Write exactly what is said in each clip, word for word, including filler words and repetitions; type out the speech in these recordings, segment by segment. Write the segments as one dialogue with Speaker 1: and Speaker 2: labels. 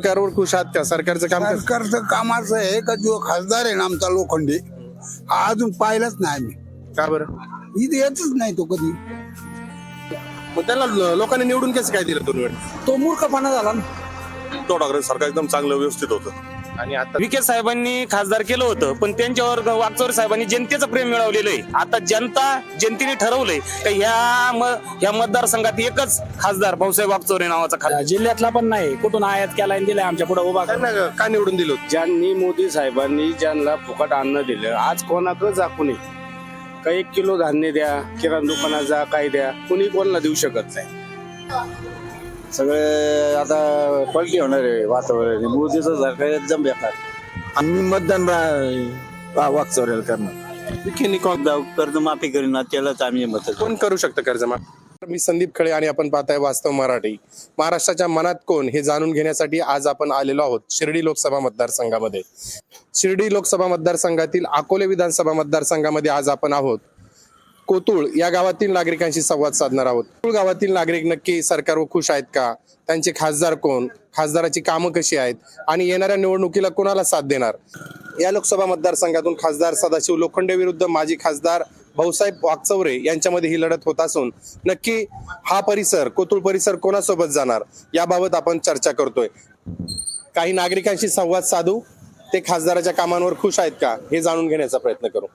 Speaker 1: सरकारवर खुश आहात का? सरकारचं काम कसं?
Speaker 2: सरकारचं काम असं आहे का जो खासदार आहे ना आमचा लोखंडे हा अजून पाहिलाच नाही आम्ही.
Speaker 1: का बरं?
Speaker 2: इथे येतच नाही तो कधी.
Speaker 1: मग त्याला ल- लोकांनी निवडून कसं काय दिलं दोन वेळ?
Speaker 2: तो मूर्खपणा झाला ना.
Speaker 3: उद्धव ठाकरे सरकार एकदम चांगलं व्यवस्थित होतं.
Speaker 1: आणि आता
Speaker 4: विखे साहेबांनी खासदार केलं होतं, पण त्यांच्यावर वागचौरे साहेबांनी जनतेचं प्रेम मिळवलेलं आहे. आता जनता जनतेने ठरवलंय का ह्या म- ह्या मतदारसंघात एकच खासदार भाऊसाहेब वागचौरे नावाचा खासदार.
Speaker 5: जिल्ह्यातला पण नाही, कुठून आयात केला आणि दिलाय आमच्या पुढे उभा करून.
Speaker 1: त्यांना का निवडून दिलं होतं?
Speaker 5: ज्यांनी मोदी साहेबांनी ज्यांना फुकट अन्न दिलं, आज कोणाकडे जा कुणी का एक किलो धान्य द्या, किराणा दुकानात जा, काय द्या, कुणी कोणाला देऊ शकत नाही.
Speaker 6: सगळे आता पलटी होणार आहे वातावरण. मोदीचं सरकार एकदम बेकार. आम्ही मतदान वागचौऱ्याला करणार.
Speaker 1: विखेंनी कोण
Speaker 6: कर्जमाफी करीना त्यालाच आम्ही मत.
Speaker 1: कोण करू शकतं कर्जमाफी? मी संदीप खळे आणि आपण पाहताय वास्तव मराठी. महाराष्ट्राच्या मनात कोण हे जाणून घेण्यासाठी आज आपण आलेलो आहोत शिर्डी लोकसभा मतदारसंघामध्ये. शिर्डी लोकसभा मतदारसंघातील अकोले विधानसभा मतदारसंघामध्ये आज आपण आहोत. कोतुळ या गावातील नागरिकांशी संवाद साधणार आहोत. कोतुळ गावातील नागरिक नक्की सरकारवर खुश आहेत का? त्यांचे खासदार कोण? खासदाराची कामं कशी आहेत? आणि येणाऱ्या निवडणुकीला कोणाला साथ देणार? या लोकसभा मतदारसंघातून खासदार सदाशिव लोखंडे विरुद्ध माजी खासदार भाऊसाहेब वागचौरे यांच्यामध्ये ही लढत होत असून नक्की हा परिसर कोतुळ परिसर कोणासोबत जाणार याबाबत आपण चर्चा करतोय. काही नागरिकांशी संवाद साधू, ते खासदाराच्या कामांवर खुश आहेत का हे जाणून घेण्याचा प्रयत्न करू.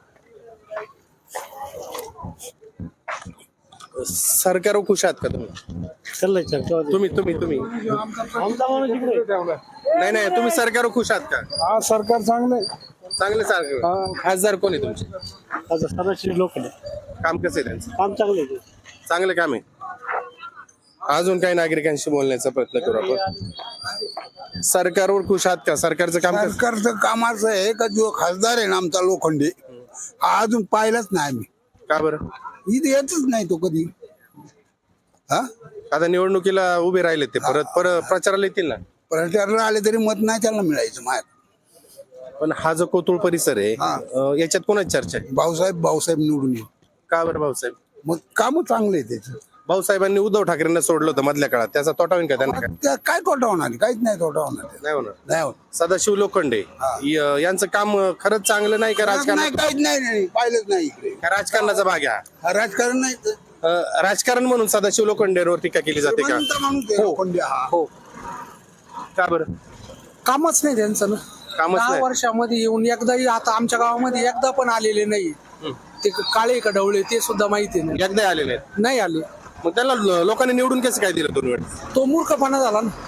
Speaker 1: सरकारवर खुश आहात का तुम्ही? तुम्ही तुम्ही तुम्ही नाही नाही तुम्ही सरकारवर खुश आहात का?
Speaker 5: हा, सरकार चांगलं
Speaker 1: चांगले सरकार. खासदार कोण आहे तुमचे?
Speaker 5: आहे. सदाशिव लोखंडे
Speaker 1: काम कसं आहे त्यांचं?
Speaker 5: काम चांगलं आहे.
Speaker 1: चांगलं काम आहे. अजून काही नागरिकांशी बोलण्याचा प्रयत्न करू आपण. सरकारवर खुश आहात का? सरकारचं काम कसं?
Speaker 2: सरकारचं काम असं आहे का जो खासदार आहे ना आमचा लोखंडे हा अजून पाहिलाच नाही आम्ही.
Speaker 1: का बरं?
Speaker 2: इथे येतच नाही तो कधी. हा
Speaker 1: आता निवडणुकीला उभे राहिले ते परत परत प्रचाराला येतील ना.
Speaker 2: प्रचाराला आले तरी मत नाही त्याला मिळायचं माहित.
Speaker 1: पण हा जो कोतुळ परिसर आहे
Speaker 2: हा.
Speaker 1: अं, याच्यात कोणाची चर्चा आहे?
Speaker 2: भाऊसाहेब भाऊसाहेब निवडून येईल.
Speaker 1: का बरं भाऊसाहेब?
Speaker 2: मग काम चांगले आहे त्याचं.
Speaker 1: भाऊसाहेबांनी उद्धव ठाकरेंना सोडलं होतं मधल्या काळात, त्याचा तोटा होईल का त्यांना? काय
Speaker 2: त्या काय तोटा होणार आहे? काहीच नाही तोटा होणार आहे.
Speaker 1: नाही होणार.
Speaker 2: नाही होत.
Speaker 1: सदाशिव लोखंडे य- यांचं काम खरंच चांगलं नाही का?
Speaker 2: नाही
Speaker 1: राजकारण
Speaker 2: काहीच नाही नाही, पाहिलंच नाही इकडे.
Speaker 1: का राजकारणाचा भाग आहे हा?
Speaker 2: हा राजकारण नाही तर.
Speaker 1: अं, राजकारण म्हणून सदाशिव लोखंडेवर टीका केली जाते का?
Speaker 2: श्रीमंत माणूस आहे लोखंडे हा.
Speaker 1: हो. का बरं?
Speaker 7: कामच नाही त्यांचं ना.
Speaker 1: कामच
Speaker 7: दहा
Speaker 1: नाही.
Speaker 7: वर्षामध्ये येऊन एकदाही आता आमच्या गावामध्ये एकदा पण आलेले नाही. ते काळे का ढवळे ते सुद्धा माहिती नाही
Speaker 1: एकदा आलेले आहेत.
Speaker 7: नाही आले.
Speaker 1: मग त्याला ल- लोकांनी निवडून कसं काय दिलं दोन वेळ?
Speaker 7: तो मूर्खपणा झाला ना.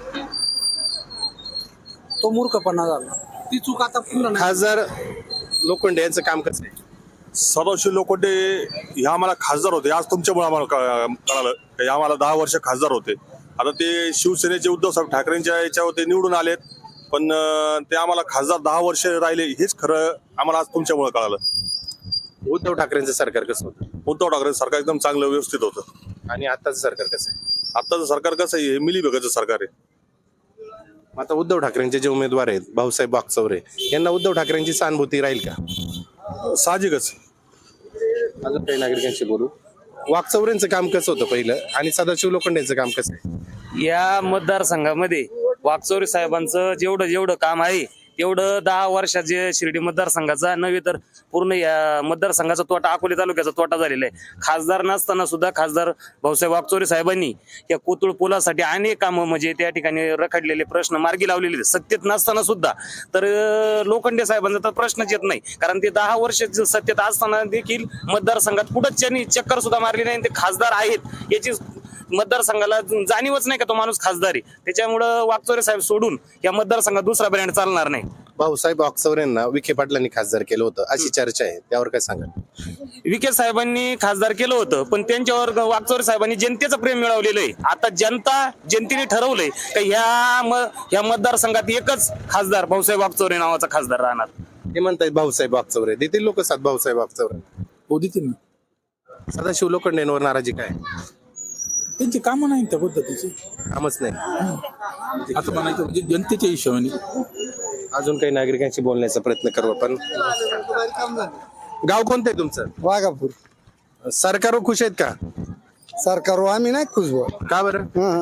Speaker 7: तो मूर्खपणा झाला. ती चूक आता पुन्हा नाही.
Speaker 1: खासदार लोखंडे यांचं काम कसं आहे?
Speaker 3: सदाशिव लोखंडे हे आम्हाला खासदार होते. आज तुमच्यामुळे आम्हाला कळ- कळालं हे आम्हाला दहा वर्ष खासदार होते. आता ते शिवसेनेचे उद्धवसाहेब ठाकरेंच्या याच्यावर ते निवडून आलेत, पण अं, ते आम्हाला खासदार दहा वर्ष राहिले हेच खरं आम्हाला आज तुमच्यामुळे कळालं.
Speaker 1: उद्धव ठाकरेंचं सरकार कसं होतं
Speaker 3: उद्धव ठाकरे सरकार एकदम चांगलं व्यवस्थित होतं.
Speaker 1: आणि आताचं सरकार कसं आहे?
Speaker 3: आत्ताचं सरकार कसं आहे, हे मिलीभगाचं सरकार आहे.
Speaker 1: मग आता उद्धव ठाकरेंचे जे उमेदवार आहेत भाऊसाहेब वागचौरे यांना उद्धव ठाकरेंची सहानुभूती राहील का?
Speaker 3: साहजिकच.
Speaker 1: अजून काही नागरिकांशी बोलू. वागचौरेंचं काम कसं होतं पहिलं आणि सदाशिव लोखंडेंचं काम कसं आहे?
Speaker 4: या मतदारसंघामध्ये वागचौरे साहेबांचं जेवढं जेवढं काम आहे तेवढं दहा वर्षाचे शिर्डी मतदारसंघाचा नव्हे तर पूर्ण या मतदारसंघाचा तोटा, अकोले तालुक्याचा तोटा झालेला आहे. खासदार नसताना सुद्धा खासदार भाऊसाहेब वागचौरे साहेबांनी या कोतुळ पुलासाठी अनेक कामं म्हणजे त्या ठिकाणी रखडलेले प्रश्न मार्गी लावलेले आहेत. सत्तेत नसताना सुद्धा तर अं, लोखंडे साहेबांचा तर प्रश्नच येत नाही, कारण ते दहा वर्ष सत्तेत असताना देखील मतदारसंघात कुठंच त्यांनी चक्कर सुद्धा मारली नाही. ते खासदार आहेत याची मतदारसंघाला जाणीवच नाही का तो माणूस खासदार आहे. त्याच्यामुळं वागचौरे साहेब सोडून या मतदारसंघात दुसरा ब्रँड चालणार नाही.
Speaker 1: भाऊसाहेब वागचौरेंना विखे पाटलांनी खासदार केलं होतं अशी चर्चा आहे, त्यावर काय सांगा?
Speaker 4: विखे साहेबांनी खासदार केलं होतं, पण त्यांच्यावर वागचौरे साहेबांनी जनतेचं प्रेम मिळवलेलं आहे. आता जनता जनतेने ठरवलंय का ह्या म- ह्या मतदारसंघात एकच खासदार भाऊसाहेब वागचौरे नावाचा खासदार राहणार.
Speaker 1: ते म्हणतात भाऊसाहेब वागचौरे देतील लोक साथ भाऊसाहेब वागचौरे.
Speaker 5: हो, देतील ना.
Speaker 1: सदाशिव लोखंडेंवर नाराजी काय?
Speaker 5: त्यांची कामं नाही त्या पद्धतीची.
Speaker 1: कामच नाही.
Speaker 5: असं म्हणायचं म्हणजे जनतेच्या हिशोबाने.
Speaker 1: अजून काही नागरिकांशी बोलण्याचा प्रयत्न करू आपण. गाव कोणतं आहे तुमचं?
Speaker 2: वाघापूर.
Speaker 1: सरकारवर खुश आहेत का?
Speaker 2: सरकारवर आम्ही नाही खुश बुवा.
Speaker 1: का बरं?
Speaker 2: हं.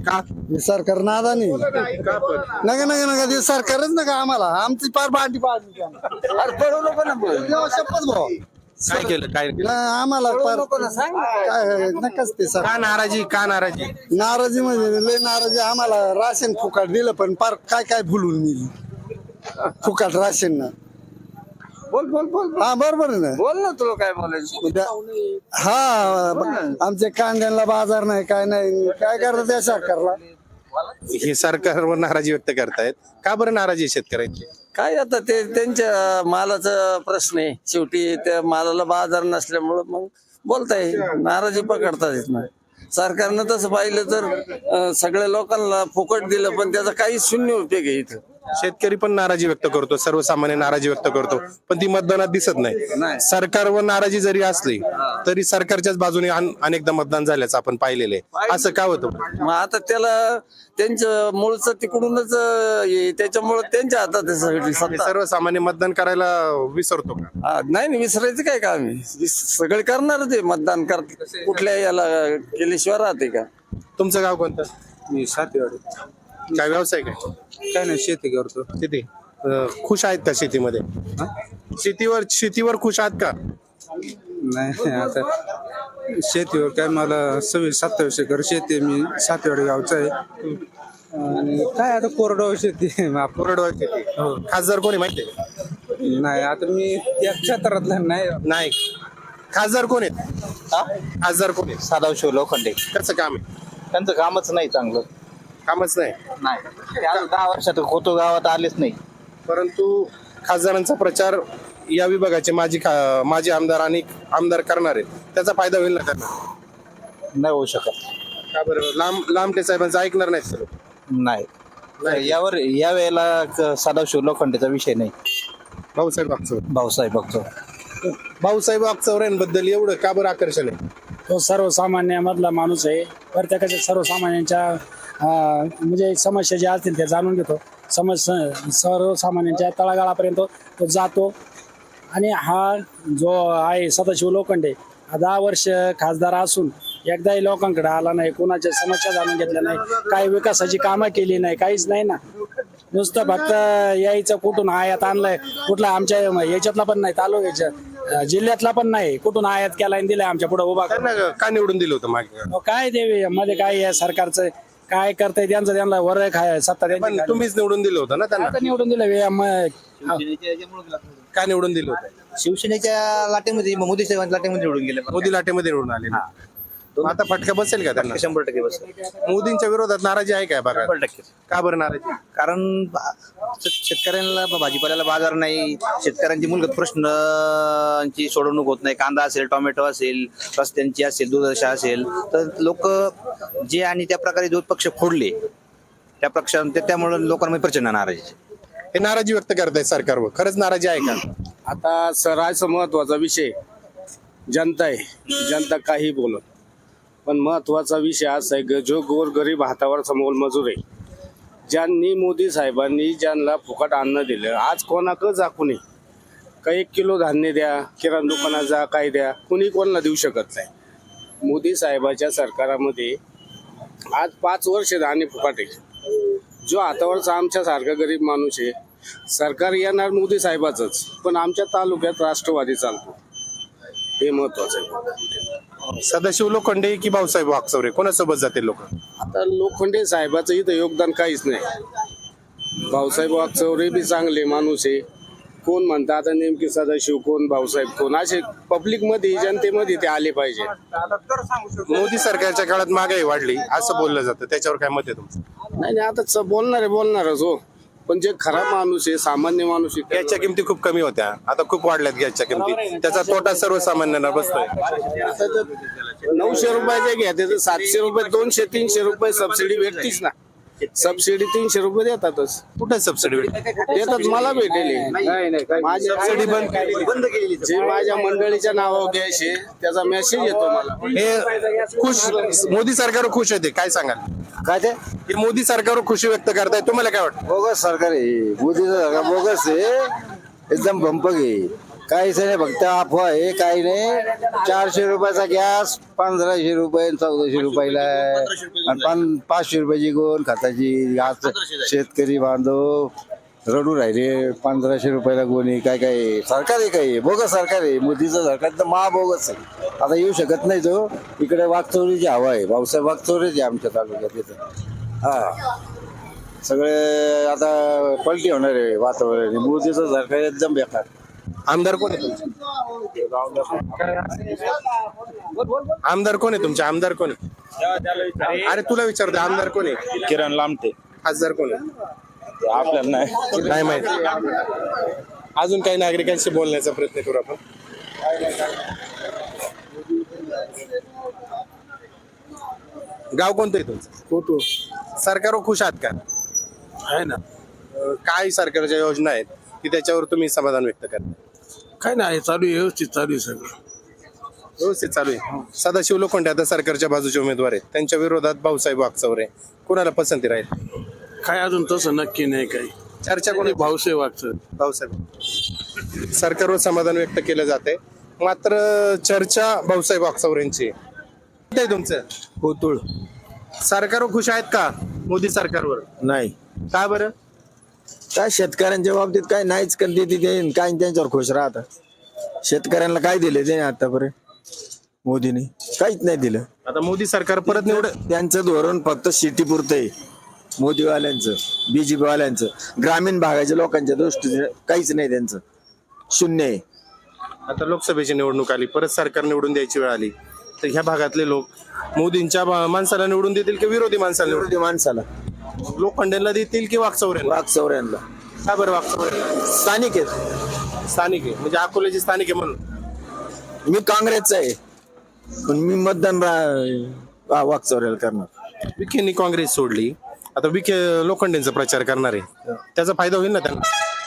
Speaker 1: का
Speaker 2: हे सरकार नादानी
Speaker 1: का पण
Speaker 2: नका नका नका ते सरकारच नका आम्हाला आमची पार पार्टी पाडली अरे पडवलं पण शपथ भाऊ
Speaker 1: काय केलं काय केलं?
Speaker 2: नाही, आम्हाला पार काय नकाच ते सर
Speaker 1: का नाराजी का नाराजी
Speaker 2: नाराजी म्हणजे लय नाराजी आम्हाला राशन फुकाट दिलं पण पार काय काय भुलून नेली फुकाट राशन ना
Speaker 6: बोल बोल बोल
Speaker 2: हा बरोबर आहे ना
Speaker 6: बोल ना तुला काय बोलायचं
Speaker 2: उद्या- हा आमच्या कांद्याला बाजार नाही काय नाही काय करतात त्या सरकारला
Speaker 1: हे सरकारवर नाराजी व्यक्त करतायत का बरं नाराजी आहे शेतकऱ्यांची
Speaker 6: काय आता ते त्यांच्या मालाचा प्रश्न आहे शेवटी त्या मालाला बाजार नसल्यामुळं मग बोलताय नाराजी पकडतात येत नाही सरकारनं तसं पाहिलं तर अं, सगळ्या लोकांना फुकट दिलं पण त्याचा काही शून्य उपयोग आहे इथं
Speaker 1: शेतकरी पण नाराजी व्यक्त करतो सर्वसामान्य नाराजी व्यक्त करतो पण ती मतदानात दिसत नाही सरकारवर नाराजी जरी असली तरी सरकारच्याच बाजूने अन- अनेकदा मतदान झाल्याचं आपण पाहिलेलं आहे असं का होतं
Speaker 6: मग आता त्याला त्यांचं मूळचं तिकडूनच अं, हे त्याच्यामुळं त्यांच्या हातात आहे सगळी
Speaker 1: हे
Speaker 6: सत्ता
Speaker 1: सर्वसामान्य मतदान करायला विसरतो का
Speaker 6: हा, नाही नाही विसरायचं काय काम आहे विस- सगळे करणार ते मतदान कर कुठल्या याला केल्याशिवाय राहते का
Speaker 1: तुमचं गाव कोणतं
Speaker 8: मी सातेवाडी
Speaker 1: काय व्यवसाय काय
Speaker 8: काय नाही शेती करतो
Speaker 1: किती अं, खुश आहेत का शेतीमध्ये शेतीवर शेतीवर खुश आहात का
Speaker 8: नाही आता शेतीवर काय मला सव्वीस सत्तावीस एकर शेती आहे. मी सातेवाडी गावचा आहे आणि काय आता कोरडवाहू शेती आहे. आप-
Speaker 1: कोरडवाहू शेती
Speaker 8: हो.
Speaker 1: खासदार कोणी माहितीये
Speaker 8: नाही आता मी त्या क्षेत्रातला नाही
Speaker 1: नाही खासदार कोण आहेत खासदार कोण आहेत
Speaker 9: सदाशिव लोखंडे
Speaker 1: कसं काम आहे
Speaker 9: त्यांचं कामच नाही चांगलं
Speaker 1: कामच नाही
Speaker 9: नाही ते अजून दहा वर्षात कोतो गावात आलेच नाही
Speaker 1: परंतु खासदारांचा प्रचार या विभागाचे माजी खा- माजी आमदार आणि आमदार करणार आहेत त्याचा फायदा होईल ना त्यांना
Speaker 9: नाही होऊ शकत
Speaker 1: का बरं लांब लांबटे साहेबांचं ऐकणार नाहीत सर
Speaker 9: नाही यावर या वेळेला क- सदाशिव लोखंडेचा विषय नाही
Speaker 1: भाऊसाहेब वागचौरे
Speaker 9: भाऊसाहेब बघतो
Speaker 1: भाऊसाहेब वागचौऱ्यांबद्दल एवढं का बरं आकर्षण आहे
Speaker 10: तो सर्वसामान्यामधला माणूस आहे प्रत्येकाच्या सर्वसामान्यांच्या अं, म्हणजे समस्या ज्या असतील त्या जाणून घेतो समस्या सर्वसामान्यांच्या तळागाळापर्यंत तो जातो आणि हा जो आहे सदाशिव लोखंडे हा दहा वर्ष खासदार असून एकदाही लोकांकडे आला नाही कोणाच्या समस्या जाणून घेतल्या नाही काही विकासाची कामं केली नाही काहीच नाही ना नुसतं फक्त यायचं कुठून आयात आणलंय कुठला आमच्या याच्यातला पण नाही तालुक्याच्या अं, जिल्ह्यातला पण नाही कुठून आयात केला आणि दिलाय आमच्या पुढे उभा करून.
Speaker 1: त्यांना का निवडून दिलं होतं मागे
Speaker 10: अहो, काय देवी मध्ये काय आहे सरकारचं काय करताय त्यांचं त्यांना वर खाय सत्ता
Speaker 1: पण
Speaker 10: त्यांची
Speaker 1: तुम्हीच निवडून दिलं होतं ना त्यांना
Speaker 10: आता निवडून दिलं वे- म-
Speaker 1: का निवडून दिलं होतं
Speaker 9: शिवसेनेच्या लाटेमध्ये मोदी साहेबांच्या लाटेमध्ये निवडून गेले
Speaker 1: मोदी लाटेमध्ये निवडून आले ना. मग आता फटका बसेल का त्यांना
Speaker 9: शंभर टक्के बस
Speaker 1: मोदींच्या विरोधात नाराजी आहे काय बघा
Speaker 9: शंभर टक्के
Speaker 1: का बरं नाराजी
Speaker 9: कारण बा- शेत- शेतकऱ्यांना भाजीपाल्याला बाजार नाही शेतकऱ्यांची मूलभूत प्रश्नांची सोडवणूक होत नाही कांदा असेल टोमॅटो असेल रस्त्यांची असेल दूधदशा असेल तर लोक जे आणि त्या प्रकारे जो पक्ष फोडले त्या पक्ष त्यामुळे लोकांमध्ये प्रचंड नाराजी
Speaker 1: हे नाराजी व्यक्त करतायत सरकारवर खरंच नाराजी आहे का
Speaker 5: आता सरायचा महत्वाचा विषय जनता आहे जनता काही बोलत पण महत्वाचा विषय असा आहे ग- जो गोरगरीब हातावरचा मोलमजूर आहे ज्यांनी मोदी साहेबांनी ज्यांना फुकट अन्न दिलं आज कोणाकडं जाकू नये का एक किलो धान्य द्या किराणा दुकानात जा काय द्या कुणी कोणाला देऊ शकत नाही मोदी साहेबाच्या सरकारामध्ये आज पाच वर्ष धान्य फुकट आहे जो हातावरचा आमच्यासारखा गरीब माणूस आहे सरकार येणार मोदी साहेबाचंच पण आमच्या तालुक्यात राष्ट्रवादी चालतो हे महत्वाचं आहे
Speaker 1: सदाशिव लोखंडे की भाऊसाहेब वागचौरे कोणासोबत जातील लोक
Speaker 5: आता लोखंडे साहेबाचं इथं योगदान काहीच नाही भाऊसाहेब वागचौरे बी चांगले माणूस आहे कोण म्हणतात आता नेमके सदाशिव कोण भाऊसाहेब कोण असे पब्लिक मध्ये जनतेमध्ये ते आले पाहिजे
Speaker 1: मोदी सरकारच्या काळात महागाई वाढली असं बोललं जातं त्याच्यावर काय मत आहे तुमचं
Speaker 5: नाही नाही, आता च- बोलणारे बोलणारच हो पण जे खरा माणूस आहे सामान्य माणूस आहे
Speaker 1: गॅसच्या किमती खूप कमी होत्या आता खूप वाढल्यात गॅसच्या किमती त्याचा तोटा सर्वसामान्यांना बसतोय
Speaker 5: आता तर नऊशे रुपयाचे घ्या तर सातशे रुपये दोनशे तीनशे रुपये सबसिडी भेटतीच ना सबसिडी तीनशे रुपये देतातच
Speaker 1: कुठे सबसिडी
Speaker 5: देतात मला भेटेल माझी सबसिडी बंद केली जे माझ्या मंडळीच्या नावावर गॅस आहे त्याचा मेसेज येतो मला
Speaker 1: हे खुश मोदी सरकारवर खुश होते काय सांगाल
Speaker 6: काय ते
Speaker 1: हे मोदी सरकारवर खुशी व्यक्त करताय तुम्हाला काय वाटतं
Speaker 6: बोगस सरकार आहे मोदीचं सरकार बोगस आहे एकदम भंपक आहे
Speaker 2: काहीच नाही, फक्त अफवा आहे, काही नाही. चारशे रुपयाचा गॅस पंधराशे रुपये चौदाशे रुपयाला आहे. आणि पाच पाचशे रुपयाची गोण खताची. आज शेतकरी बांधव रडू राहिले. पंधराशे रुपयाला गोणी. काय काय सरकार आहे, काय बोगस सरकार आहे. मोदीचं सरकार तर महाबोगस आहे. आता येऊ शकत नाही तो. इकडे वागचौरीची हवा आहे. भाऊसाहेब वागचौरीच आहे आमच्या तालुक्यात इथं. हा सगळे आता पलटी होणार आहे वातावरण. मोदीचं सरकार एकदम बेकार.
Speaker 1: आमदार कोण आहे तुमचे? आमदार कोण आहे तुमचे? आमदार कोण आहे? अरे तुला विचारतो, आमदार कोण आहे?
Speaker 5: किरण लामटे.
Speaker 1: खासदार कोण आहे?
Speaker 5: आपल्याला नाही
Speaker 1: नाही माहिती. अजून काही नागरिकांशी बोलण्याचा प्रयत्न करू आपण. गाव कोणतं आहे तुमचं?
Speaker 2: फोटो
Speaker 1: सरकारवर खुश आहात का?
Speaker 2: आहे ना.
Speaker 1: अं, काय सरकारच्या योजना आहेत की त्याच्यावर तुम्ही समाधान व्यक्त करता?
Speaker 2: काय नाही, चालू आहे, व्यवस्थित चालू आहे सगळं.
Speaker 1: व्यवस्थित चालू आहे. सदाशिव लोखंडे आता सरकारच्या बाजूचे उमेदवार आहेत. त्यांच्या विरोधात भाऊसाहेब वागचौरे. कुणाला पसंती राहील?
Speaker 2: काय अजून तसं नक्की नाही. काही
Speaker 1: चर्चा कोण?
Speaker 2: भाऊसाहेब वागचं.
Speaker 1: भाऊसाहेब. सरकारवर समाधान व्यक्त केलं जाते, मात्र चर्चा भाऊसाहेब वागचौरेंची. कुठे आहे तुमचं?
Speaker 2: कोतुळ.
Speaker 1: सरकारवर खुश आहेत का मोदी सरकारवर?
Speaker 2: नाही.
Speaker 1: का बरं?
Speaker 2: काय शेतकऱ्यांच्या बाबतीत काय नाहीच करते तिथे. काय त्यांच्यावर खुश राहतात. शेतकऱ्यांना काय दिले त्याने आतापर्यंत? मोदीने काहीच नाही दिलं.
Speaker 1: आता मोदी सरकार परत निवड.
Speaker 2: त्यांचं धोरण फक्त सिटी पुरतं आहे. मोदीवाल्यांचं, बीजेपी वाल्यांचं. ग्रामीण भागाच्या लोकांच्या दृष्टीने काहीच नाही त्यांचं. शून्य आहे.
Speaker 1: आता लोकसभेची निवडणूक आली, परत सरकार निवडून द्यायची वेळ आली, तर ह्या भागातले लोक मोदींच्या मा- माणसाला निवडून देतील की विरोधी माणसाला निवडून?
Speaker 2: विरोधी माणसाला.
Speaker 1: लोखंडेंना देतील की वागचौरेंना?
Speaker 2: वागचौऱ्यांना.
Speaker 1: का बरं वागचौरे?
Speaker 2: स्थानिक आहेत.
Speaker 1: स्थानिक आहे म्हणजे अकोल्याचे स्थानिक आहे म्हणून.
Speaker 2: मी काँग्रेसचा आहे, पण मी मतदान रा- वागचौऱ्याला करणार.
Speaker 1: विखेंनी काँग्रेस सोडली, आता विखे लोखंडेंचा प्रचार करणार आहे, त्याचा फायदा होईल ना त्यांना?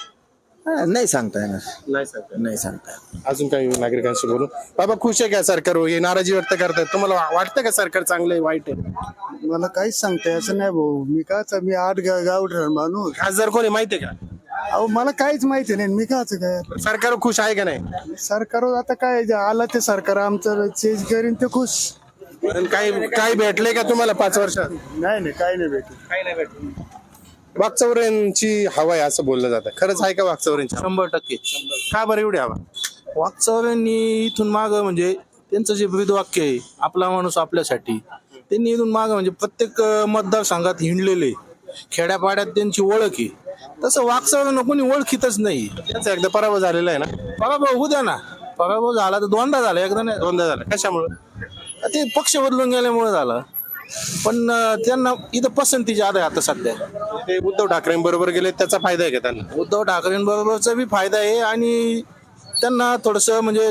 Speaker 2: हा, नाही सांगता येणार.
Speaker 1: नाही सर.
Speaker 2: नाही सांगता येणार.
Speaker 1: अजून काही नागरिकांशी बोलू. बाबा खुश आहे का सरकार? हे नाराजी व्यक्त करतात. तुम्हाला वा- वाटतं का सरकार चांगलं आहे वाईट आहे?
Speaker 2: मला काहीच सांगता असं नाही भाऊ. मी काच मी आठ गाव माणूस.
Speaker 1: खासदार कोणी माहिती आहे का?
Speaker 2: अहो मला काहीच माहिती नाही. मी काच काय
Speaker 1: सरकार खुश आहे का नाही?
Speaker 2: सरकार आता काय जे आलं ते सरकार आमचं चेंज करीन ते खुश.
Speaker 1: पण काही काही भेटले का तुम्हाला पाच वर्षात?
Speaker 2: नाही नाही काही नाही भेटत.
Speaker 1: काही नाही भेटले. वागचौऱ्यांची हवा आहे असं बोललं जातं. खरंच आहे का वागचौऱ्यांची हवा?
Speaker 11: शंभर टक्के.
Speaker 1: का बरं एवढी हवा?
Speaker 11: वागचौऱ्यांनी इथून माग म्हणजे त्यांचं जे ब्रीदवाक्य आहे, आपला माणूस आपल्यासाठी, त्यांनी इथून माग म्हणजे प्रत्येक अं, मतदारसंघात हिंडलेले, खेड्यापाड्यात त्यांची ओळख आहे. तसं वागचौऱ्यांना कोणी ओळखीतच नाही.
Speaker 1: त्यांचा एकदा पराभव झालेला आहे ना?
Speaker 11: पराभव होऊ द्या ना. पराभव झाला तर दोनदा झाला, एकदा नाही.
Speaker 1: दोनदा झाला. कशामुळे?
Speaker 11: ते पक्ष बदलून गेल्यामुळे झालं. पण अं, त्यांना इथं पसंती ज्यादा आहे आता सध्या.
Speaker 1: ते उद्धव ठाकरेंबरोबर गेले, त्याचा फायदा आहे का त्यांना?
Speaker 11: उद्धव ठाकरेंबरोबरचा बी फायदा आहे आणि त्यांना थोडस म्हणजे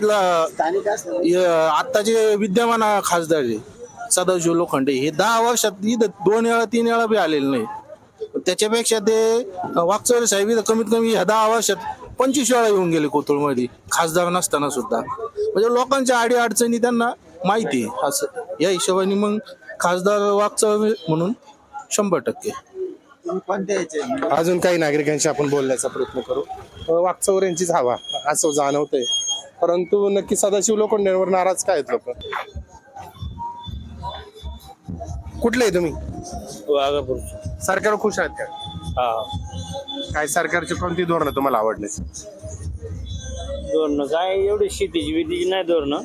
Speaker 11: ल- आता जे विद्यमान खासदार आहे सदाशिव लोखंडे, हे दहा वर्षात इथं दोन वेळा तीन वेळा बी आलेले नाही. त्याच्यापेक्षा ते वागचौरे साहेब इथं कमीत कमी ह्या दहा वर्षात पंचवीस वेळा येऊन गेले कोथरूडमध्ये खासदार नसताना सुद्धा. म्हणजे लोकांच्या आडी अडचणी त्यांना माहिती आहे. असं या हिशोबाने मग खासदार वागचौरे म्हणून शंभर टक्के.
Speaker 1: अजून काही नागरिकांशी आपण बोलण्याचा प्रयत्न करू. अं, वागचौऱ्यांचीच हवा असं जाणवतंय, परंतु नक्की सदाशिव लोखंडेंवर नाराज काय आहेत लोक? कुठले आहे तुम्ही? सरकार खुश आहेत का? काय सरकारची कोणती धोरणं तुम्हाला आवडले?
Speaker 12: धोरणं काय एवढी शेतीची बितीची नाही धोरणं,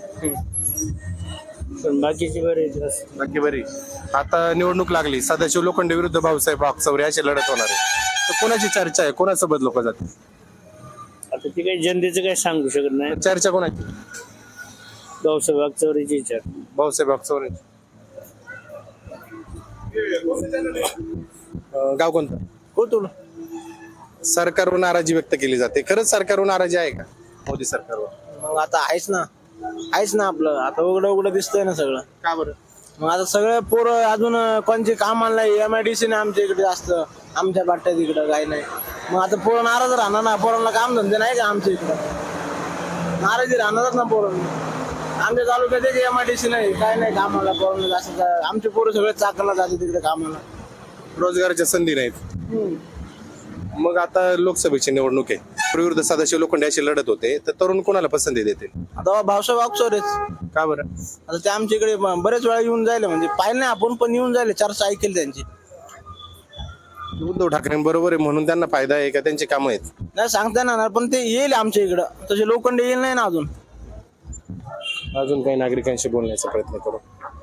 Speaker 12: पण बाकीचे बरे आहेत.
Speaker 1: नक्की बरी. आता निवडणूक लागली, सदाशिव लोखंडे विरुद्ध भाऊसाहेब वागचौरे अशी लढत होणार आहे, तर कोणाची चर्चा आहे? कोणासोबत लोक जातील?
Speaker 12: आता ते काही जनतेचं काही सांगू शकत नाही.
Speaker 1: चर्चा कोणाची?
Speaker 12: भाऊसाहेब वागचौरेची विचार.
Speaker 1: भाऊसाहेब वागचौरे. अं, गाव कोणतं?
Speaker 12: कोतुळ.
Speaker 1: सरकारवर नाराजी व्यक्त केली जाते. खरंच सरकारवर नाराजी आहे का मोदी सरकारवर?
Speaker 12: मग आता आहेच ना, आहेच ना. आपलं आता उघडं उघडं दिसतंय ना सगळं.
Speaker 1: का बरं?
Speaker 12: मग आता सगळे पोरं अजून कोणचे काम आणलंय, एम आय डी सी ने आमच्या इकडे जास्त, आमच्या बाट्यात इकडं काही नाही. मग आता पोरं नाराज राहणार ना. पोरांना काम धंदे नाही का आमच्या इकडं? नाराजी राहणारच ना पोरांना. आमच्या तालुक्यात एक एम आय डी सी नाही, काय नाही कामाला. पोरांना जास्त आमचे पोरं सगळे चाकरला जाते तिकडे कामाला.
Speaker 1: रोजगाराच्या संधी नाहीत. मग आता लोकसभेची निवडणूक आहे, विरुद्ध सदाशिव लोखंडे अशी लढत होते, तर तरुण कोणाला पसंती देतील?
Speaker 12: आता भावसाहेब वागचौरेच.
Speaker 1: का बरं?
Speaker 12: आता ते आमच्या इकडे ब- बरेच वेळा येऊन जायला, म्हणजे पाहिलं नाही आपण पण येऊन जायले, चर्चा ऐकेल त्यांची.
Speaker 1: उद्धव ठाकरेंबरोबर आहे म्हणून त्यांना फायदा आहे का, त्यांची कामं आहेत?
Speaker 12: नाही सांगता येणार, पण ते येईल आमच्या इकडं, तसे लोखंडे येईल नाही ना अजून.
Speaker 1: अजून काही नागरिकांशी बोलण्याचा प्रयत्न करू.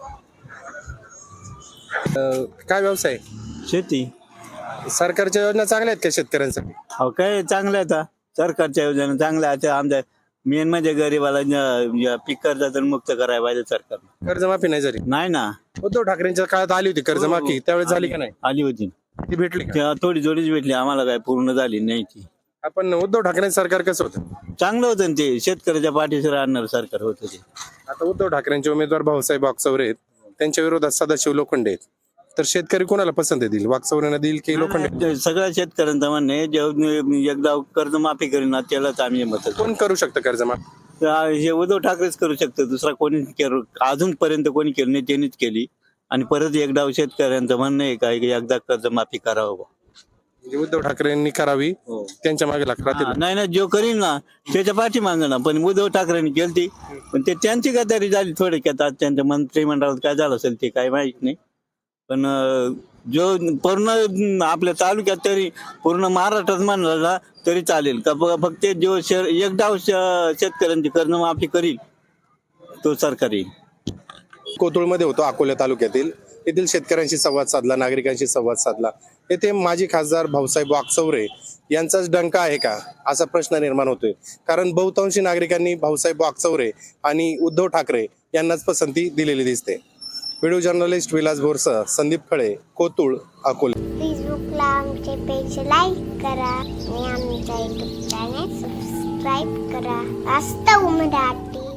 Speaker 1: अं, काय व्यवसाय?
Speaker 2: शेती.
Speaker 1: सरकारच्या योजना चांगल्या आहेत का शेतकऱ्यांसाठी?
Speaker 2: हो काय चांगलं आहे. सरकारच्या योजना चांगल्या आहेत. आमच्या मेन म्हणजे गरीबाला ज- पीक कर्जातून मुक्त करायला पाहिजे सरकारने.
Speaker 1: कर्जमाफी नाही झाली?
Speaker 2: नाही ना,
Speaker 1: उद्धव ठाकरेंच्या काळात आली होती कर्जमाफी, त्यावेळेस झाली का नाही?
Speaker 2: आली होती
Speaker 1: ती भेटली का?
Speaker 2: तेव्हा थोडी थोडीच भेटली, आम्हाला काय पूर्ण झाली नाही ती.
Speaker 1: आपण उद्धव ठाकरे सरकार कसं होतं?
Speaker 2: चांगलं होतं ना ते, शेतकऱ्याच्या पाठीशी राहणार सरकार होतं ते.
Speaker 1: आता उद्धव ठाकरेंचे उमेदवार भाऊसाहेब वागचौरे आहेत, त्यांच्या विरोधात सदाशिव लोखंडे आहेत, तर शेतकरी कोणाला पसंत देतील? वागचौरेंना देईल की लोखंडे?
Speaker 2: ते सगळ्या शेतकऱ्यांचं म्हणणं आहे, जे एकदा कर्जमाफी करेल ना त्यालाच आम्ही मत.
Speaker 1: कोण करू शकतं कर्जमाफी?
Speaker 2: हे उद्धव ठाकरेच करू शकतो, दुसरा कोणी केलं अजूनपर्यंत कोणी केलं नाही, त्यांनीच केली. आणि परत एकदा शेतकऱ्यांचं म्हणणं आहे का की एकदा कर्जमाफी करावं.
Speaker 1: म्हणजे उद्धव ठाकरेंनी करावी, त्यांच्या मागे लागतात.
Speaker 2: हा, नाही ना, जो करीन ना त्याच्या पाठी मागं ना, पण उद्धव ठाकरेंनी केली पण ते त्यांची गद्दारी झाली थोडक्यात. आज त्यांच्या मंत्रिमंडळात काय झालं असेल ते काही माहित नाही, पण अं, जो पूर्ण आपल्या तालुक्यात तरी पूर्ण महाराष्ट्रात म्हणलं ना तरी चालेल का, फ- फक्त जो शे एकदा श- शेतकऱ्यांची कर्जमाफी करील तो सरकार येईल.
Speaker 1: कोथरूडमध्ये होतो, अकोला तालुक्यातील. येथील शेतकऱ्यांशी संवाद साधला, नागरिकांशी संवाद साधला. येथे माजी खासदार भाऊसाहेब वागचौरे यांचाच डंका आहे का, असा प्रश्न निर्माण होतोय. कारण बहुतांशी नागरिकांनी भाऊसाहेब वागचौरे आणि उद्धव ठाकरे यांनाच पसंती दिलेली दिसते. व्हिडिओ जर्नलिस्ट विलास बोरसह, संदीप खळे, कोथरूड, अकोला.
Speaker 13: फेसबुकला आमचे पेज लाईक करा आणि आमच्या युट्यूब चॅनेल सबस्क्राईब करा. वास्तव मराठी.